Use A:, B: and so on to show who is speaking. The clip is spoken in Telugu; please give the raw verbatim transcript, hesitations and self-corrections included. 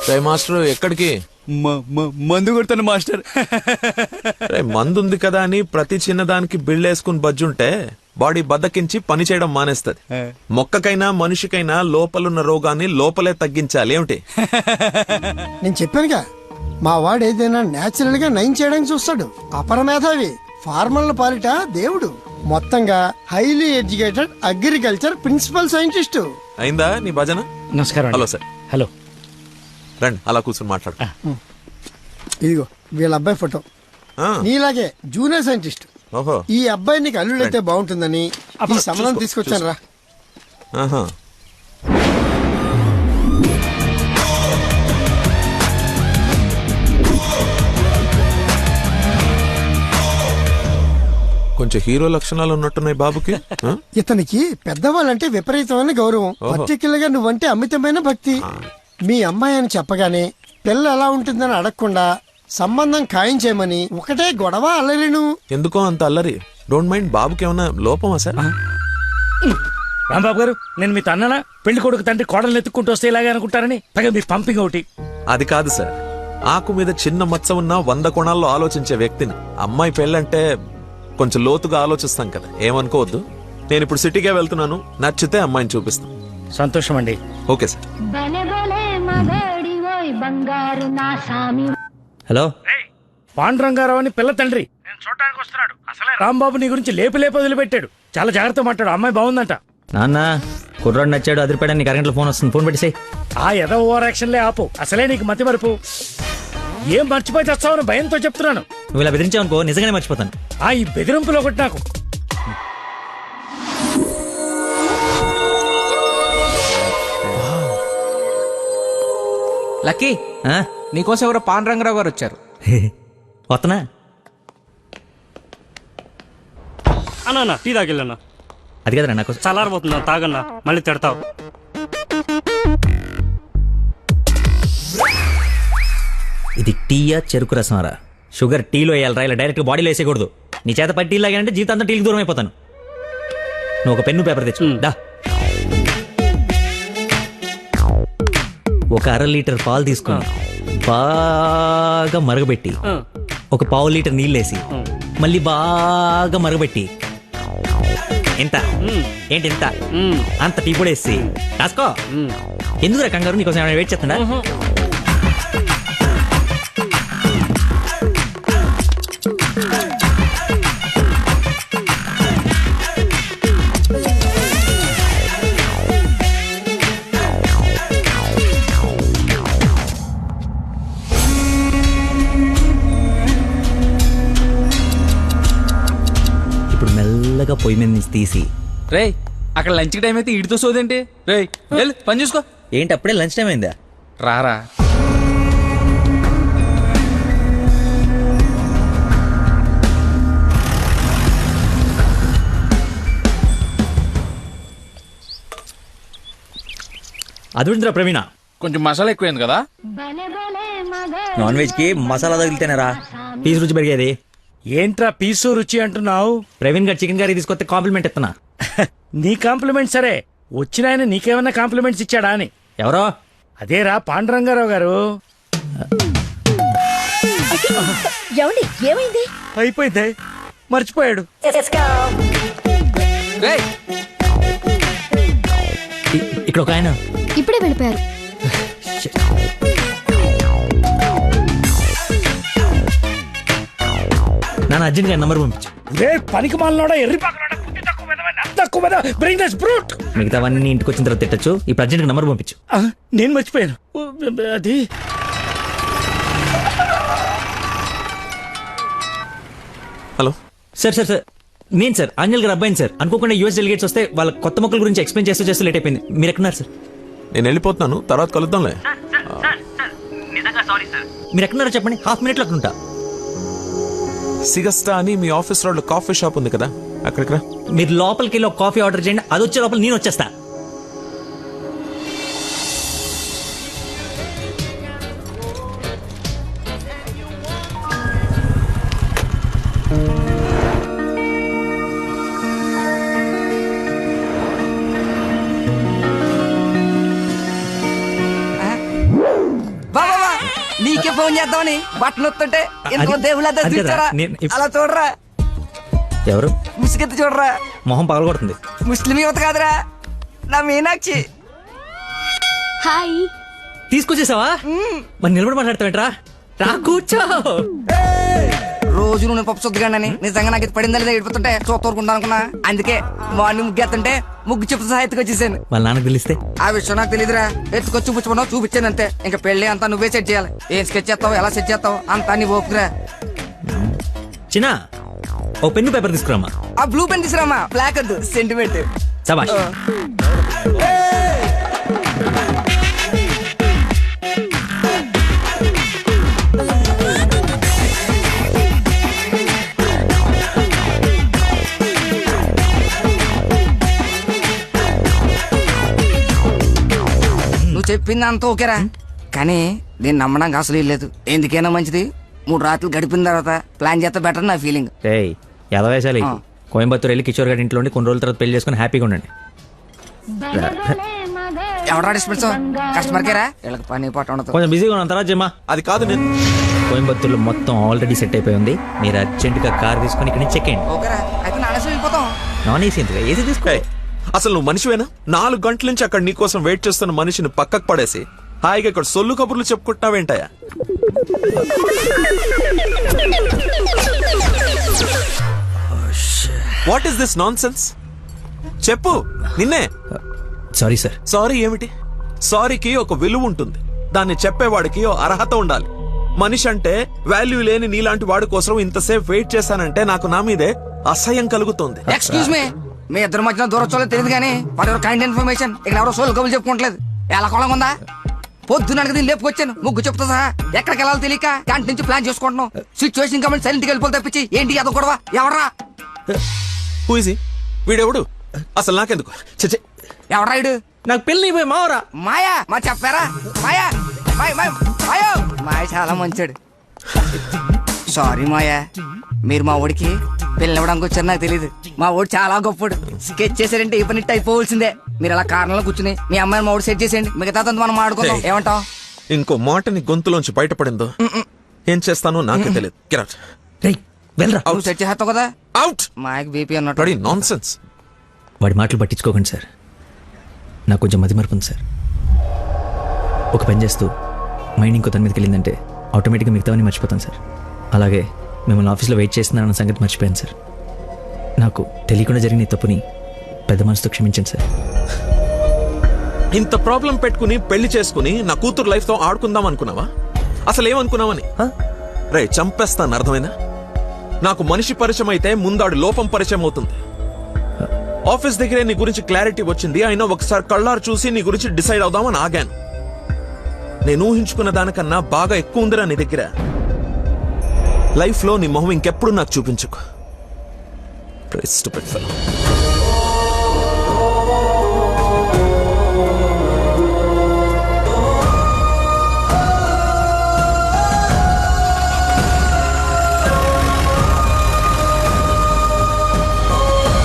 A: మాస్టర్ ఎక్కడికి?
B: మందు కొడతాను మాస్టర్.
A: మందు ఉంది కదా అని ప్రతి చిన్నదానికి బిళ్ళేసుకుని బజ్జుంటే బాడీ బద్దకించి పని చేయడం మానేస్తది. మొక్కకైనా మనిషికైనా లోపలున్న రోగాన్ని లోపలే తగ్గించాలి. ఏమిటి?
C: నేను చెప్పానుగా, మా వాడు ఏదైనా నేచురల్ గా నయం చేయడానికి చూస్తాడు. అపరమేధావి, ఫార్మల్ పాలిట దేవుడు. మొత్తంగా highly educated agriculture principal scientist.
A: అయిందా నీ భజన?
D: నమస్కారం.
A: Hello sir.
D: హలో,
A: రండి అలా కూర్చొని మాట్లాడు.
C: ఇదిగో వీళ్ళ అబ్బాయి ఫోటో. నీలాగే జూనియర్ సైంటిస్ట్.
A: ఓహో,
C: ఈ అబ్బాయి నీకు అల్లుడైతే బాగుంటుందని ఈ సంబంధం తీసుకొచ్చాను రా.
A: ఆహా. కొంచెం హీరో లక్షణాలు ఉన్నట్టున్నాయి బాబుకి.
C: ఇతనికి పెద్దవాళ్ళంటే విపరీతమైన గౌరవం. పర్టికులర్ గా నువ్వంటే అమితమైన భక్తి. మీ అమ్మాయి అని చెప్పగానే పిల్ల ఎలా ఉంటుందని అడగకుండా సంబంధం ఖాయం చేయమని ఒకటే గొడవ అల్లరిను.
A: ఎందుకో అంత అల్లరి? Don't mind. బాబుకి ఏమన్నా లోపమా సార్?
D: రాంబాబు గారు, నేను మీ తన్ననా? పెళ్లి కొడుకు తండ్రి కోడలు ఎత్తుక్కుంటూ వస్తే ఇలాగే అనుకుంటారని పైగా మీ పంపింగ్ ఒకటి.
A: అది కాదు సార్, ఆకు మీద చిన్న మచ్చ ఉన్న వంద కోణాల్లో ఆలోచించే వ్యక్తిని. అమ్మాయి పెళ్ళంటే కొంచెం లోతుగా ఆలోచిస్తాం కదా, ఏమనుకోవద్దు. నేను ఇప్పుడు సిటీకే వెళ్తున్నాను, నచ్చితే అమ్మాయిని చూపిస్తాను.
D: సంతోషం అండి.
A: Okay sir.
E: హలో,
D: పాండురంగారావు అని పిల్ల తండ్రి నేను చూడటానికి వస్తున్నాడు. అసలే రాంబాబు నీ గురించి లేపి లేపి వదిలిపెట్టాడు. చాలా జాగ్రత్త మాట్లాడు. అమ్మాయి బాగుందంట.
E: నాన్న కుర్రాడు నచ్చాడు, అదిరిపాడు. నీకు అరగంటలో ఫోన్ వస్తుంది, ఫోన్ పెట్టేసేయ్.
D: ఆ ఎద ఓవర్ యాక్షన్లే ఆపు. అసలే నీకు మతి మరుపు. ఏం మర్చిపోయి తెస్తావని భయంతో చెప్తున్నాను.
E: నువ్వు ఇలా బెదిరించావనుకో నిజంగానే మర్చిపోతాను.
D: ఆ ఈ బెదిరింపులో ఒకటి నాకు.
B: లక్కీ, నీకోసం ఎవరో పాండురంగరావు గారు వచ్చారు.
E: వస్తనా?
D: అన్నా టీ తాగిల్లన్నా.
E: అది కదరా నాకు
D: చల్లారబోతున్నా, తాగన్నా, మళ్ళీ తిడతావు.
E: ఇది టీయా చెరుకు రసమారా? షుగర్ టీలో వేయాలరా, ఇలా డైరెక్ట్ బాడీలో వేసేయకూడదు. నీ చేత పట్టి టీ లాగానంటే జీవితాంతా టీకి దూరం అయిపోతాను. నువ్వు ఒక పెన్ను పేపర్ తెచ్చు. దా, ఒక అర లీటర్ పాలు తీసుకుని బాగా మరగబెట్టి ఒక పావు లీటర్ నీళ్ళేసి మళ్ళీ బాగా మరగబెట్టి ఎంత ఏంటి ఎంత అంత టీ కూడా వేసి రాసుకో. ఎందుకురా కంగారు? నీకోసం ఏమైనా వెయిట్ చేస్తుందా? మెల్లగా పొయ్యి మీద నుంచి తీసి.
B: రే, అక్కడ లంచ్ టైం అయితే ఇడితో సోదేంటి? రే వెళ్ళు, పని చూసుకో.
E: ఏంటి అప్పుడే లంచ్ టైం అయిందా?
B: రారా.
E: అదుందిరా ప్రవీణ,
B: కొంచెం మసాలా ఎక్కువైంది కదా.
E: నాన్ వెజ్ కి మసాలా తగిలితేనేరా పీస్ రుచి పెరిగేది.
D: ఏంట్రా పీసు రుచి అంటున్నావు?
E: ప్రవీణ్ గారు చికెన్ కర్రీ తీసుకొస్తే కాంప్లిమెంట్ ఇస్తున్నా.
D: నీ కాంప్లిమెంట్ సరే, వచ్చిన ఆయన నీకేమన్నా కాంప్లిమెంట్స్ ఇచ్చాడా అని.
E: ఎవరో?
D: అదేరా పాండురంగారావు గారు.
F: ఏమైంది?
D: అయిపోయింది, మర్చిపోయాడు.
E: ఇక్కడ ఒక ఆయన
F: ఇప్పుడే వెళ్ళిపోయారు.
E: నాన్న అర్జెంట్ గా నంబర్ పంపించు.
D: పనికి మాలనోడా, ఎర్రి
E: మిగతావన్నీ ఇంటికి వచ్చిన తర్వాత తిట్టచ్చు. ఇప్పుడు అర్జెంట్ గా నంబర్ పంపించు.
D: నేను మర్చిపోయాను అది.
A: Hello
E: sir. సార్ సార్ నేను సార్ ఆంజల్ గారు అబ్బాయిని సార్. అనుకోకుండా యూఎస్ డెలిగేట్స్ వస్తే వాళ్ళ కొత్త మొక్కల గురించి ఎక్స్ప్లెయిన్ చేస్తూ చేస్తూ లేట్ అయిపోయింది. మీరు ఎక్కడున్నారు సార్?
A: నేను వెళ్ళిపోతున్నాను, తర్వాత కలుద్దాంలే.
E: మీరు ఎక్కడున్నారో చెప్పండి, హాఫ్ మినిట్లో అక్కడ ఉంటా.
A: సిగస్టా అని మీ ఆఫీస్ రోడ్ కాఫీ షాప్ ఉంది కదా, అక్కడికి రా.
E: మీరు లోపలికి వెళ్ళి ఒక కాఫీ ఆర్డర్ చేయండి, అది వచ్చే లోపల నేను వచ్చేస్తా.
B: వా
F: ఫోన్ చేద్దామని బట్టలు వస్తుంటే ఇంకో
E: అది-
F: దేవుళ్ళ
E: అది కదా,
F: చూచారా
E: నేను ఇప్-
F: అలా చూడరా
E: ఎవరు
F: ముసుగెత్తి చూడరా
E: మొహం పగలగొడుతుంది.
F: ముస్లిం యువత కాదురా నా మీనాక్షి.
G: హాయ్.
E: తీసుకొచ్చేసావా? మరి నిలబడి మాట్లాడతావేంట్రా? రా కూర్చో.
F: రోజు నువ్వు పప్పు చుద్దగానని నిజంగా నాకు ఇది పడిందా లేదా ఏడిపోతుంటే చూస్తూరుకుంటా అనుకున్నా. అందుకే మార్నింగ్ ముగ్గు ఎత్తుంటే ముగ్గు చెప్తూ సహా ఎత్తుకొచ్చేసాను.
E: వాళ్ళ నాన్నకు తెలిస్తే
F: ఆ విషయం నాకు తెలియదురా. ఎత్తుకొచ్చి చూపించమన్నావు చూపించాను అంతే. ఇంకా పెళ్లి అంతా నువ్వే సెట్ చేయాలి. ఏం స్కెచ్ చేస్తావు ఎలా సెట్ చేస్తావు అంతా నీ ఓపుకురా.
E: చిన్న ఓ పెన్ను పేపర్ తీసుకురామా.
F: ఆ బ్లూ పెన్ తీసురామా, బ్లాక్ వద్దు, సెంటిమెంట్.
E: సబాష్.
F: నువ్వు చెప్పింది అంత ఓకేరా, కానీ నేను నమ్మడానికి అసలు లేదు. ఎందుకైనా మంచిది మూడు రాత్రులు గడిపిన తర్వాత ప్లాన్ చేస్తే బెటర్ నా ఫీలింగ్.
E: ఏయ్ ఎదవేశాలి.
F: ఆ.
E: కోయంబత్తూర్ వెళ్ళి కిషోర్ గారి ఇంట్లో ఉండి కొన్ని రోజుల తర్వాత పెళ్లి చేసుకుని హ్యాపీగా ఉండండి.
F: ఎవడా డిస్పెన్స్ కస్టమర్ కేరా వీళ్ళకి పని పాట ఉండదు.
E: కొంచెం బిజీగా ఉన్నాం, తర్వాత జమ్మా.
A: అది కాదు నేను
E: కోయంబత్తూర్లో మొత్తం ఆల్రెడీ సెట్ అయిపోయి ఉంది. మీరు అర్జెంటుగా కార్ తీసుకొని ఇక్కడ నుంచి చెక్ అయ్యండి.
F: ఓకేరా, అయితే నానేసి వెళ్ళిపోతాం.
E: నాన్ ఏసీ ఎందుకు, ఏసీ తీసుకో.
A: ఏయ్, అసలు నువ్వు మనిషివేనా? నాలుగు గంటల నుంచి అక్కడ నీకోసం వెయిట్ చేస్తున్న మనిషిని పక్కకు పడేసి హాయిగా ఇక్కడ సొల్లు కబుర్లు చెప్పుకుంటున్నావేంటయా? What is this nonsense? చెప్పు, నిన్నే.
E: Sorry sir.
A: సారీ ఏమిటి? సారీకి ఒక విలువ ఉంటుంది. దాన్ని చెప్పేవాడికి ఓ అర్హత ఉండాలి. మనిషి అంటే వాల్యూ లేని నీలాంటి వాడి కోసం ఇంతసేపు వెయిట్ చేశానంటే నాకు నా మీదే అసహ్యం కలుగుతుంది.
F: ఎక్స్క్యూజ్ మీ, మీ ఇద్దరు మధ్యన దూరం చూడలేదు తెలియదు కానీ వాడు ఎవరు కైండ్ ఇన్ఫర్మేషన్ ఇక్కడ ఎవరో సోల్ కబులు చెప్పుకోవట్లేదు. ఎలా కొలం ఉందా? పొద్దున దీన్ని లేపుకొచ్చాను ముగ్గు చెప్తా సహా. ఎక్కడికి వెళ్ళాలో తెలియక క్యాంటీన్ నుంచి ప్లాన్ చేసుకుంటున్నాం. సిచ్యువేషన్ కాబట్టి సైలెంట్ గా వెళ్ళిపోతే తప్పించి ఏంటి అదో గొడవ? ఎవరా
A: హూజీ వీడెవడు? అసలు నాకెందుకు? చచ్చే,
F: ఎవరా ఇడు?
E: నాకు పెళ్లి అయిపోయి మావరా.
F: మాయా మా చెప్పారా? మాయా మాయ మాయ మాయో మాయ చాలా మంచాడు. సారీ మాయా, మీరు మా ఓడికి పిల్లవడానికి వచ్చారు నాకు తెలియదు. మా ఓడి చాలా గొప్పడు. స్కెచ్ చేశారంటే ఈ పని అయిపోవలసిందే. మీరు అలా కారణంలో కూర్చుని మీ అమ్మాయిని మా ఓడి సెట్ చేసేయండి. మిగతా మనం మాడుకుందాం.
A: Hey.
F: ఏమంటావు?
A: ఇంకో మాటని గొంతులోంచి బయటపడిందో ఏం చేస్తానో నాకే తెలియదు. Get out.
E: రేయ్ వెళ్ళరా.
F: నువ్వు సెట్ చేస్తావు కదా.
A: Out.
F: మాయకి బీపీ అన్నట్టు.
A: Bloody nonsense.
E: వాడి మాటలు పట్టించుకోకండి సార్. నాకు కొంచెం మతి మరపు ఉంది సార్. ఒక పని చేస్తూ మైండ్ ఇంకో దాని మీదకి వెళ్ళిందంటే ఆటోమేటిక్గా మిగతావన్నీ మర్చిపోతాను సార్. అలాగే మిమ్మల్ని ఆఫీస్లో వెయిట్ చేస్తున్నానన్న సంగతి మర్చిపోయాను సార్. నాకు తెలియకుండా జరిగిన ఈ తప్పుని పెద్ద మనసుతో క్షమించండి సార్.
A: ఇంత ప్రాబ్లం పెట్టుకుని పెళ్లి చేసుకుని నా కూతురు లైఫ్ తో ఆడుకుందాం అనుకున్నావా? అసలు ఏమనుకున్నావని? రే చంపేస్తాను, అర్థమైందా? నాకు మనిషి పరిచయం అయితే ముందాడు లోపం పరిచయం అవుతుంది. ఆఫీస్ దగ్గరే నీ గురించి క్లారిటీ వచ్చింది. అయినా ఒకసారి కళ్ళారు చూసి నీ గురించి డిసైడ్ అవుదామని ఆగాను. నేను ఊహించుకున్న దానికన్నా బాగా ఎక్కువ ఉందిరా నీ దగ్గర. లైఫ్ లో నీ మొహం ఇంకెప్పుడు నాకు చూపించుకో. Stupid fellow.